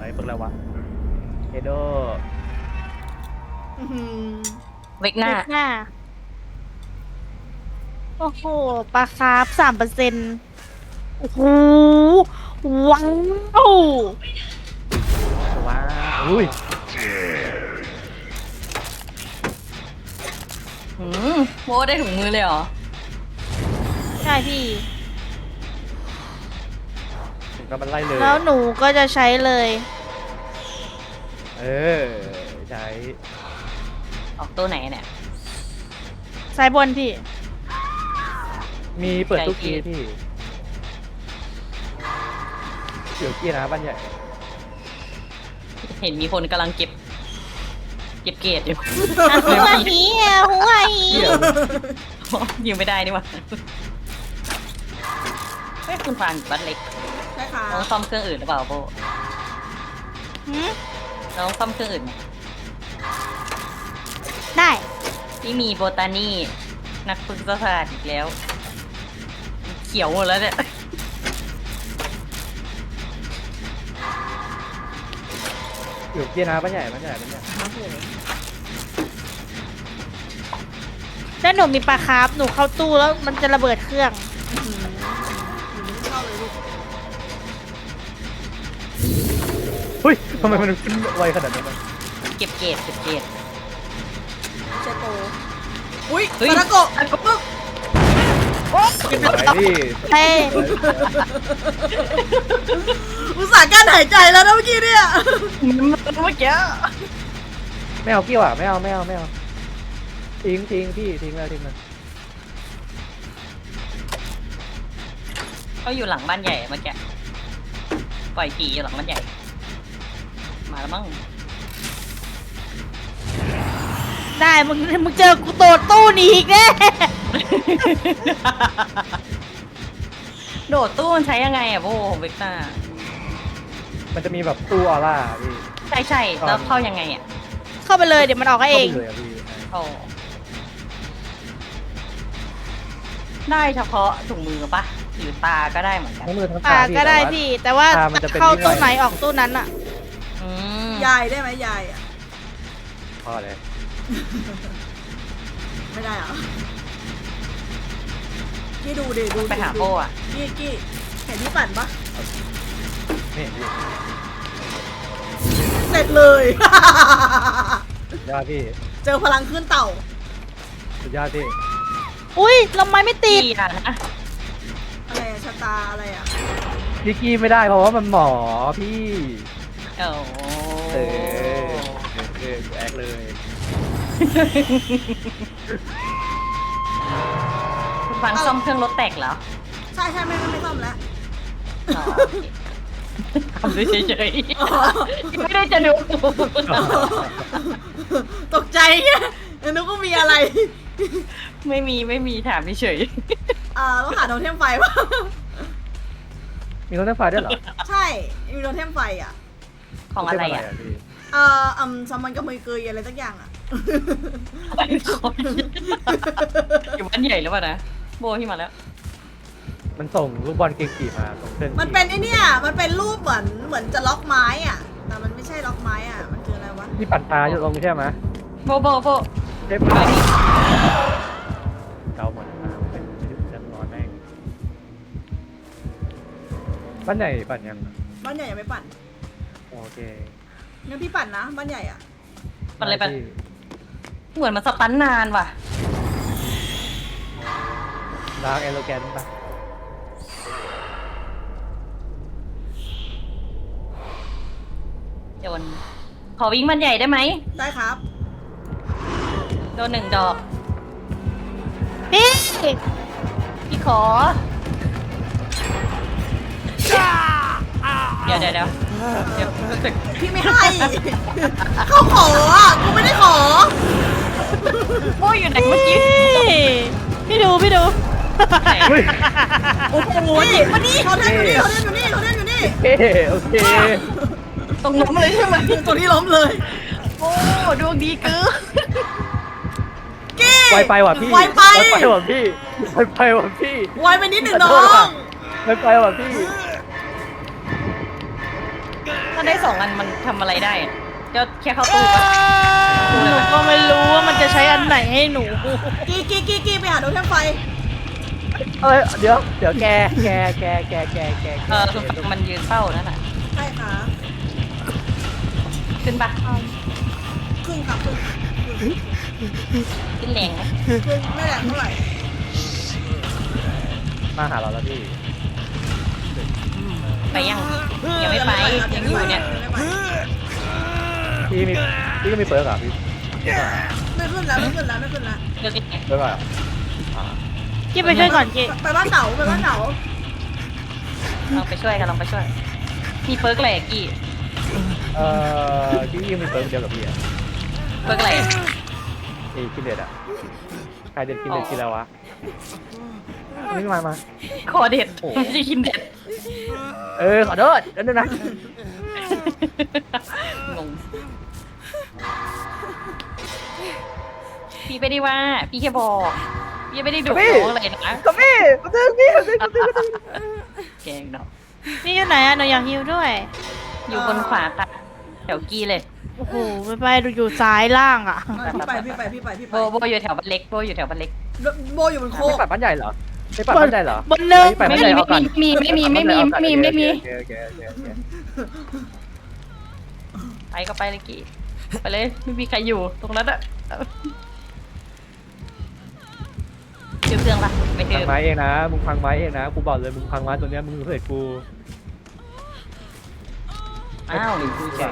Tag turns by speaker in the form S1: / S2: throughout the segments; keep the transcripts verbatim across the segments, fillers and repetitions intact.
S1: อะไรเพิ่งแล้ววะเอโด
S2: อื้อหือ
S3: เวกหน้า
S2: หน้า โอ้โหปลาคาร์ฟสามเปอร์เซ็นต์โอ้โหว้าว
S1: ว้าวอุ้ย
S3: หืมโมได้ถุงมือเลยเหรอ
S2: ใช่พี่
S1: ถึงก็มันไล่เลย
S2: แล้วหนูก็จะใช้เลย
S1: เออใช้
S3: ออกตัวไหนเนี่ย
S2: สายบนพี่
S1: มีเปิดตู้
S3: ใจ
S1: กี
S3: พี่
S1: พี่เดี๋ยวกี้นะบ้านใหญ่
S3: เห็นมีคนกำลังเก็บ เก็บเกรดอยู่
S2: หัวหีอ่ะหัวหี
S1: เดี๋ยว
S3: ยิงไม่ได้นี่หว่าเฮ้ยคุณฟางอยู่บ้านเล็ก
S2: ใช่ค่ะ
S3: น้องซ่อมเครื่องอื่นหรือเปล่าโบ
S2: หืม
S3: น้องซ่อมเครื่องอื่นไหม
S2: ได้
S3: ที่มีโบตานี่นักพฤกษศาสตร์อีกแล้ว เขียวหมดแล้วเนี่ย
S1: เดี๋ยวกี้นะบ้านใหญ่บ้านใหญ่บ้านใหญ่
S2: แล้วหนูมีปลาคาร์ฟหนูเข้าตู้แล้วมันจะระเบิดเครื่อง
S1: เฮ้ยทำไมมันขึ้นไวขนาดนั้นวะ
S3: เก็บเกรดเก็บเกรด
S4: เชโตอุ้ย
S3: เฮ้ย
S4: ซาดาโกะปึ๊บ
S1: ไหนพี่
S2: เฮ้ย
S4: อุตส่าห์กั้นหายใจแล้วนะเมื่อกี้เนี่ย
S3: เมื่อกี้
S1: ไม่เอากี้ว่ะไม่เอาไม่เอาไม่เอาทิ้งทิ้งพี่ทิ้งแล้วทิ้งแล้ว
S3: เขาอยู่หลังบ้านใหญ่เมื่อกี้ปล่อยผีอยู่หลังบ้านใหญ่ มาแล้วมั้ง
S2: ได้มึงมึงเจอกูโดดตู้หนีอีกแน่
S3: โดดตู้มันใช้ยังไงอะโบเวกต้า
S1: มันจะมีแบบตู้ออร่าพี่
S3: ใช่ใช่แล้วเข้ายังไงอะ
S2: เข้าไปเลยเดี๋ยวมันออกก็เอง
S1: ข้าไปเลยอะพี่
S3: โอ้ได้เฉพาะถุงมือปะหรือตาก็ได้เหมือนกัน
S1: ทั้งมือทั้ง
S2: อ่า
S1: ตาพี่
S2: ก็ได้
S1: แต่ว่า
S2: พี่ แต่ว่า
S1: ตามันจะเป็น
S2: เข้า
S1: ที่
S2: ตู้
S1: ไหน
S2: ไหนออกตู้นั้นอะ
S3: อืม
S4: ยายได้ไหมยายอ่ะ
S1: พอเลย
S4: ไม่ได้เหรอกี้ดูดิดูดิ
S3: ไปหาโบอะ
S4: กี้กี้เห็นที่ปั่นปะ
S1: ไม่เห็นพี่
S4: เสร็จเลย
S1: สุดยอดพี่
S4: เจอพลังขึ้นเต่า
S1: สุดยอดพี่
S2: อุ้ยลำไม้ไม่ติด
S3: ดีอะนะ
S4: อะไรอะชะตาอะไรอ่ะ
S1: พี่กี้ไม่ได้เพราะว่ามันหมอพี่
S3: โอ้
S1: เออเออเออแอกเลย
S3: คุณฟังซ่อมเครื่องรถแตกเหรอ
S4: ใช่ใช่ไม่ไม่ไม่ซ่อมแล้ว
S3: อ๋อโอเคทำด้วยเฉยๆไม่ได้จะดู
S4: ตกใจไงนึกว่ามีอะไร
S3: ไม่มีไม่มีถามเฉย
S4: อ่าต้องหาโทเทมไฟปะ
S1: มีรถไฟฟ้าด้วยเหรอ
S4: ใช่มีโทเทมไฟอ่ะ
S3: ของอะไรอ่ะ
S1: พี่
S4: เอ่ออืมซัมมันกับมือเกยอะไรสักอย่างอ่ะ
S3: อยู่บ้านใหญ่หรือเปล่านะโบที่มาแล้ว
S1: มันส่งลูกบอลเก่งกี่มาส่งเส้น
S4: มันเป็นไอเนี่ยมันเป็นรูปเหมือนเหมือนจะล็อกไม้อ่ะ แต่มันไม่ใช่ล็อกไม้อ่ะ มันคืออะไรวะ
S1: ที่ปั่นตาอยู่ตรงใช่ไหม
S3: โบโบโบ
S1: เจ็บ
S3: ไปนี่
S1: เกาหมดอ่าเป็นจะนอนแม่งบ้านใหญ่ปั่นยัง
S4: บ้านใหญ่ยังไม่ปั่น
S1: โอเค
S4: งั้นพี่ปั่นนะ บ้านใหญ่อ่ะ
S3: ปันเลยปัน
S1: พี่
S3: เหมือนมันสตันนานว่ะ
S1: ดาร์กเอโลแกนปะ
S3: โดนขอวิ่งมันใหญ่ได้ไหม
S4: ได้ครับ
S3: โดนหนึ่งดอก
S2: พี่
S3: พี่ขอ เดี๋ยวเดี๋ยวเดี๋ยวเดี๋ยวรู้สึก
S4: พี่ไม่ให้ เขาขออ่ะ กูไม่ได้ขอ
S3: โบอยู่ไหนเมื่อกี้
S2: พี่ดูพี่ดู
S3: ไหน
S1: เฮ้ย
S3: โอ้โห
S4: นี่มานี่เขาเล่นอยู่นี่เขาเล่นอยู่นี่เขาเล่นอยู่นี่
S1: เฮ้โอเค
S3: ตรงล้มเลยใช่ไหม
S4: ตัวนี้ล้มเลย
S3: โอ้ดวงดีเกิน
S4: กี้
S1: ไวไปว่ะพี่
S4: ไวไป
S1: ไวไปว่ะพี่ไวไปว่ะพี่
S4: ไวไปนิดหนึ่งน้อ
S1: ขโทษว่ะ
S4: ง
S1: ไวไปว่ะพี่
S3: ถ้าได้สองอันมันทำอะไรได้อะก็แค่เข้าตู้ปะ
S2: หนูก็ไม่รู้ว่ามันจะใช้อันไหนให้หนู
S4: กีกีกีกีไปหาดูแท่งไฟ
S1: เอ้ยเดี๋ยวเดี๋ยวแกแกแกแกแกแก
S3: เออคือมันยืนเฝ้านั่นน่ะ
S4: ใช่ค่ะ
S3: ขึ้นปะ
S4: ครึ่งครับครึ่ง
S3: ขึ้นแรงไหม
S4: ครึ่งไม่แรงเท่าไหร่
S1: มาหาเราแล้วพี่
S3: ไปยังยังไม่ไปยังอยู่เนี่ย
S1: พี่มีพี่ก็มีเปิร์กอ่ะพี่
S4: ไม่ขึ้นแล้วไม่ขึ้นแล้วไม่ขึ้นแล้ว
S3: เลือกยังไง
S1: เปิร์กอ่ะอ่า
S2: กี้ไปช่วยก่อนกี้
S4: ไปบ้านเต๋าไปบ้านเต๋า
S3: ลองไปช่วยกันลองไปช่วย มีเปิร์กอะไรอะกี้
S1: เอ่อพี่ยังมีเปิร์กเดียวกับพี่อ่ะ
S3: เปิร์กอะไรอะ
S1: ไอ้กินเด็ดอ่ะใครเด็ดกินเด็ดกินแล้ววะนี่มามา
S3: คอเด็ดไม่ใช่กินเด็ด
S1: เออขอโทษเดี๋ยวนึงนะ
S3: งงพี่ไม่ได้ว่า พี่แค่บอก พี่ไม่ได้ดุน้องอะไรนะ
S1: ก็พี่ก็ตึงพี่ก็ตึงก็ตึงก็ตึง
S3: แกงเนาะ
S2: นี่อยู่ไหนอะหนูอยากฮิวด้วย
S3: อยู่บนขวาค่ะแถวกี้เลย
S2: โอ้โหไปไปดูอยู่ซ้ายล่างอะ
S4: พี่ไปพี่ไปพี่ไปพี่
S3: โบ
S4: ไป
S3: โบอยู่แถวบ้านเล็กโบอยู่แถวบ้านเล็ก
S4: โบอยู่บนโค
S1: ไม่
S4: ก
S1: ปัดบ้านใหญ่เหรอไม่ปัดบ้านใหญ่เหรอบ
S2: นเนิน
S1: ไปบ้านใหญ่เอาก่อน
S3: ไม่มีไม่มีไม่มีไม่มีไม่มี
S1: โอเคโอเคโอเคโอเค
S3: ไปก็ไปเลยกี้ไปเลยไม่มีใครอยู่ตรงนั้นอะเจอเครื่องปะไม่เจ
S1: พัง
S3: อ
S1: ไม้เองนะมึงพังไม้เองนะกูบอกเลยมึงพังไม้ตัวเนี้ยมึงเสร็จกู
S3: อ้าวหรือกูเฉย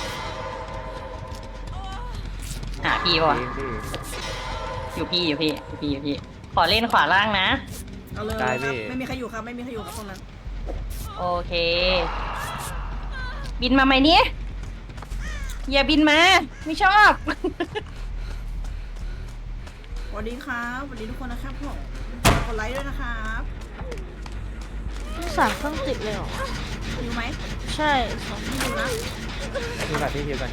S3: หาพี่ปะวะ อยู่พี่อยู่พี่อยู่พี่อยู่พี่ ขอเล่นขวาล่างนะ
S4: เอาเลยครับไม่มีใครอยู่ครับไม่มีใครอยู่ครับตรงนั้น
S3: โอเค บินมาไหมเนี่ยอย่าบินมา ไม่ชอบ
S4: สวัสดีครับสวัสดีทุกคนนะครับผมกดไลค์ด้วยนะครับ
S2: สามเครื่องติดเลยเหรอ
S4: อยู่ไหม
S2: ใช่สอง
S4: อยู่นะ
S1: มีแบบที่คิวกัน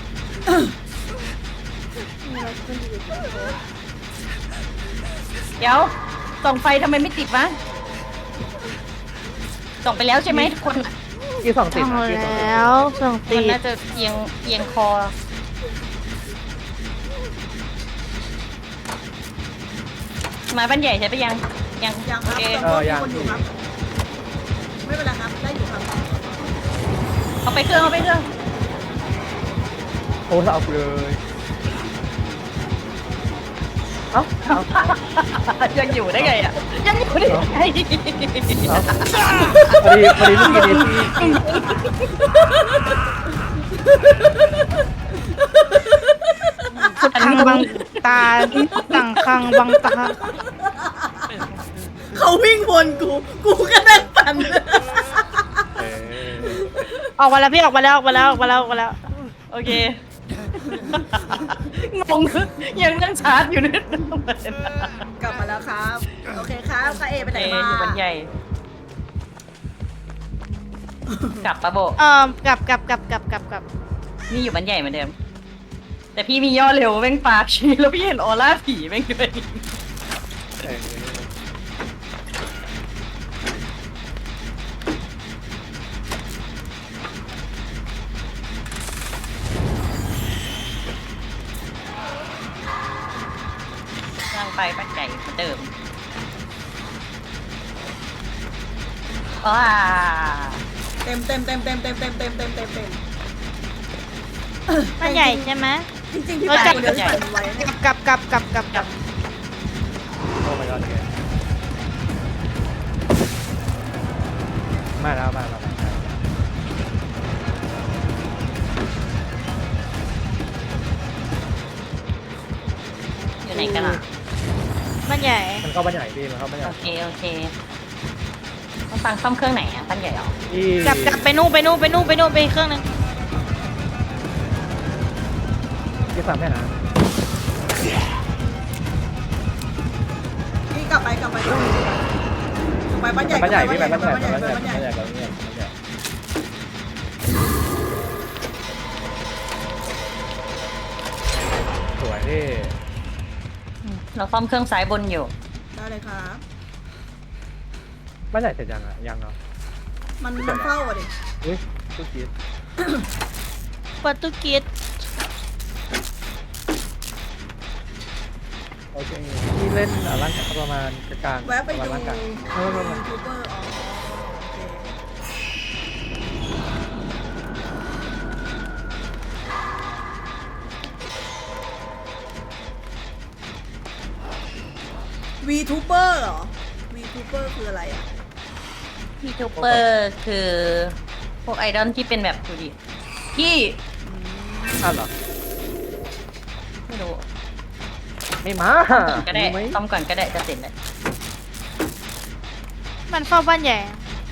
S3: เดี๋ยวส่องไฟทำไมไม่ติดวะส่องไปแล้วใช่ไหมทุกคน
S1: กี่สองติด
S2: ทำ
S1: นะกี่สองติด
S2: แล้วสองติ
S3: มัน
S2: ด
S3: น่าจะเอียงเอียงคอ มาบ้านใหญ่ใช่ปะยัง ยัง
S4: ยังค
S3: โอ
S4: รับ
S3: เค
S4: ยังมีคนอยู่ครับ ไม่เป็นไรครับได้อยู่ครับ
S3: เอาไปเครื่องเอาไปเครื่อง
S1: โอ้เอาเลยเอ้าเอ้า
S3: ยังอยู่ได้ไงอ่ะ ยังอยู่ได้ไง
S1: เอ้าพอดีพอดีเมื่อกี้นี้ที่
S2: คังบังตาต่างคังบังตา
S4: เขาวิ่งวนกู กูก็นั่งปั่น
S1: เออ
S2: ออกมาแล้วพี่ออกมาแล้วออกมาแล้วออกมาแล้วออกมาแล้ว
S3: โอเค งง ยังนั่งชาร์จอยู่เนี่ย
S4: กลับมาแล้วครับ โอเคครับค่ะเอไปไหน
S3: เอ
S4: มา
S3: อยู่บ้านใหญ่ กลับปะโบ
S2: เอ่อกลับกลับกลับกลับกลับกลับ
S3: นี่อยู่บ้านใหญ่เหมือนเดิม แต่พี่มีย่อเร็วแม่งปากชี้แล้วพี่เห็นออร่าผีแม่งด้วย
S1: เออ
S3: นั่งไปบ้านใหญ่เหมือนเดิมว้า
S4: เต็มเต็มเต็มเต็มเต็มเต็มเต็มเต็มเต็มเต็ม
S2: บ้านใหญ่ใช่ไหม
S4: จริงๆพี่ปั่นคนเดียวที่ปั่นไว้เนี่ย
S2: กลับกลับกลับกลับกลับ
S1: โอ้ my god เลยมาแล้วมาแล้วมาแล้ว
S3: อยู่ไหนกันอ่ะ
S2: บ้านใหญ่
S1: มันเข้าบ้านใหญ่พี่มันเข้าบ้านใหญ่
S3: โอเค โอเคต้องฟังซ่อมเครื่องไหนอ่ะบ้านใหญ่เหรอ
S1: ที่
S2: กลับกลับไปนู่นไปนู่นไปนู่นไปนู่นไปอีกเครื่องหนึง
S1: ที่สั่งแม่นะ
S4: พี่กลับไปกลับไปกลับไปบ้านใหญ่
S1: บ้านใหญ่
S4: กลั
S1: พี่
S4: บ
S1: ไป
S4: ไป
S1: บ้านใหญ่
S4: บ้านใหญ่
S1: บ้านใหญ่
S4: บ้านใหญ่
S1: บ้านใหญ่บ้านใหญ่บ้านใหญ่สวยพี่
S3: เราซ่อมเครื่องซ้ายบนอยู่
S4: ได้เลยครับ
S1: บ้านใหญ่เสร็จยังอ่ะยังเนาะ
S4: มันมันเข้าอ่ะดิ
S1: อุ้ยทุกที
S2: โปรตุเกส
S1: โอเคพี่เล่นอ่ะร่างกายประมาณกลางๆ
S4: แวะไป
S1: ประ
S4: ดู
S1: มาณร่างกาย
S4: ยู
S1: เออประมาณ
S4: ทูบเบอร์อ๋อโอเควีทูเบอร์เหรอวีทูเบอร์คืออะไรอ่ะ
S3: พี่ทูเปอร์คือ พวกไอดอลที่เป็นแบบดูดิพี่
S1: อ้าวเหรอ
S3: ไม่รู้
S1: ไม่มา
S3: ก็ได้
S1: รู้ไหม
S3: ต้อมก่อนก็ได้จะเสร็จแล้ว
S2: มันเฝ้าบ้านใหญ่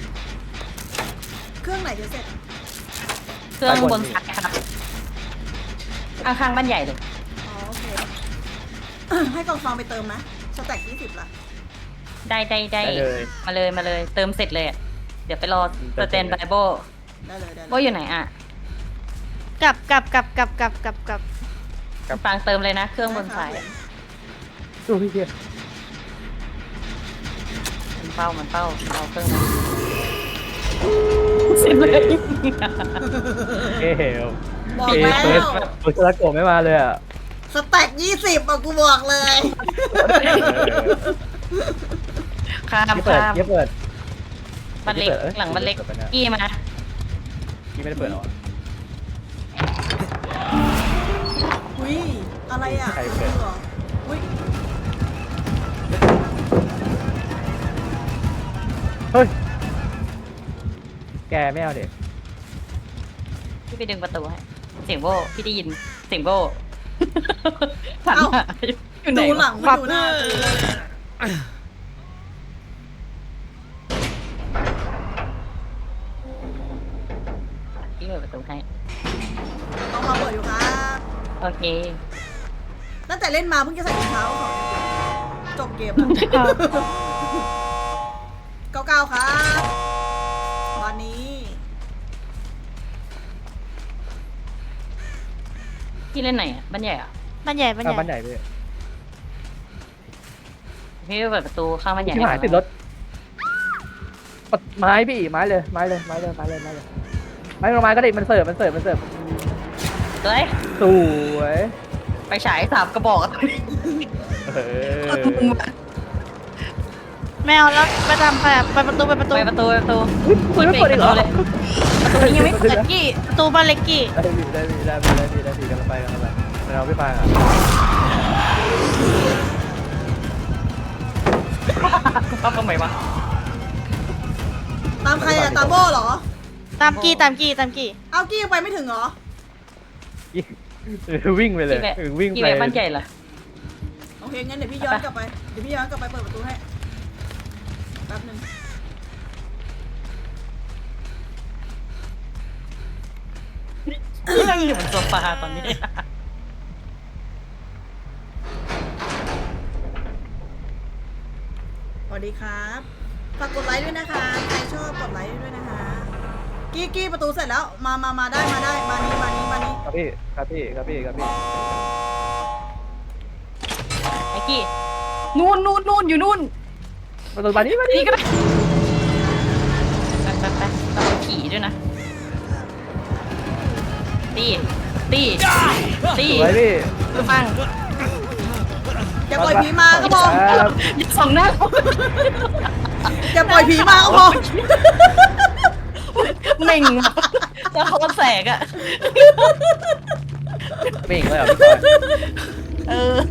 S4: เครื่องไหนจะเสร็จ
S3: เครื่องบนซ้ายครับข้างๆบ้านใหญ่เลย
S4: อ๋อโอเค ให้กองฟองไปเติมไหมสแต็กยี่สิบละ
S3: ได้ได้ได้
S1: ได้เลย
S3: มาเลยมาเลย เติมเสร็จเลยอะเดี๋ยวไปรอสแตนไบโบ
S4: ได้เลยได้เล
S3: โบอยู่ไหนอ่ะ
S2: กลับกลับกลับกลับกลับกลับกลับ
S3: ฟังเติมเลยนะ เครื่องบนซ้าย
S1: ดูพี่เกียร์
S3: มันเป้ามันเป้าเอาเครื่องนั้นเสร็จเลย
S1: เอ้ย
S4: บอก
S1: เอ้ย
S4: แล้ว
S1: เฟิร์สเฟิร์สแล้วโกะไม่มาเลยอ่ะ
S4: สแต็กยี่สิบอ่ะกูบอกเลย
S3: ข้าม
S1: ยี่เปิด
S3: ข้าม
S1: ยี่เปิด
S3: บ้านเล็ก
S1: เปิดเอ้ย
S3: หลังบ้านเล็ก
S1: เปิดไปนะ
S3: กี้มา
S1: ยี่ไม่ได้เปิดหรอ
S4: อุ้ยอะไรอ่ะ
S1: ใครเปิด
S4: หรออุ้ย
S1: เฮ้ยแกไม่เอาเด็ก
S3: พี่ไปดึงประตูให้เสียงโบพี่ได้ยินเสียงโบหันหาอยู่ไหน
S4: ดูหลั
S3: วะ
S4: งไม่ดูหน้ากูเลย
S3: พี่เปิดประตูให้
S4: ต้องมาเปิดอยู่ครับ
S3: โอเค
S4: ตั้งแต่เล่นมาเพิ่งจะใส่รองเท้าของจบเกมเก้าเก้าครับวันนี้
S3: พี่เล่นไหนอ่ะบ้านใหญ่อ่ะ
S2: บ้านใหญ่บ้านให
S1: อ่ะ
S2: ญ่
S1: บ้านใหญ่พี่
S3: พี่ไปเปิดประตูข้างบ้านใหญ่
S1: ที่หายติดรถปัดไม้พี่ไม้เลยไม้เลยไม้เลยไม้เลยไม้เลยไม้ลงมาก็ได้มันเสิร์ฟมันเสิร์ฟมันเสิร์ฟ
S3: เฮ้ย
S1: สวย
S3: ไปฉายสามกระบอกอะ
S1: เออ
S2: แมวแล้วไปทำไปไปประตูไปประตู
S3: ไปประตูไปประตู
S1: คุณไม่เปิดอีกเหรอ
S3: เลยประตูนี้ยังไม่เปิดกี้
S2: ประตูบ้านเล็กกี้
S1: ได้ดีได้ดีได้ดีได้ดีได้ดีกันไปกันไปเราไม่ฟังอ่ะ
S3: ป้าทำไมวะ
S4: ตามใครอะตามโบเหรอ
S2: ตามกี้ตามกี้ตามกี้
S4: เอากี้ยังไปไม่ถึงเหรอ
S1: วิ่งไปเลย
S3: กี่แบบ
S1: วิ่ง
S3: กี่
S1: ไป
S3: แบบบ้านใหญ่เหรอ
S4: โอเคงั้นเดี๋ยวพี่ย้อนกลับไปเดี๋ยวพี่ย้อนกลับไปเปิดประตูให้แป๊บนึง
S3: นั่งอยู่บนโซฟาตอนนี้
S4: สวัสดีครับฝากกดไลค์ด้วยนะคะใครชอบกดไลค์ด้วยนะคะกี้กี้ประตูเสร็จแล้วมามามาได้มาได้มานี้มานี้มานี้
S1: ครับพี่ครับพี่ครับพี่ครับพี่
S3: ไอ้กี้นู่นนู่นนู่นอยู่นู่น
S1: ประตูบานนี้บานนี้
S3: นี่ก็ได้ไปไปไปเราขี่ด้วยนะตีตีตี
S1: สวยพี่
S3: ฟัง
S4: อย่าปล่อยผีมาก็พอ
S1: ครับ
S3: อย่าส่องหน้าเขา
S4: อย่าปล่อยผีมาก็พอ
S3: เหม่งอะแล้วเขาก็แสกอะ
S1: ไม่เองเลยเหรอพี่บอย
S3: เออ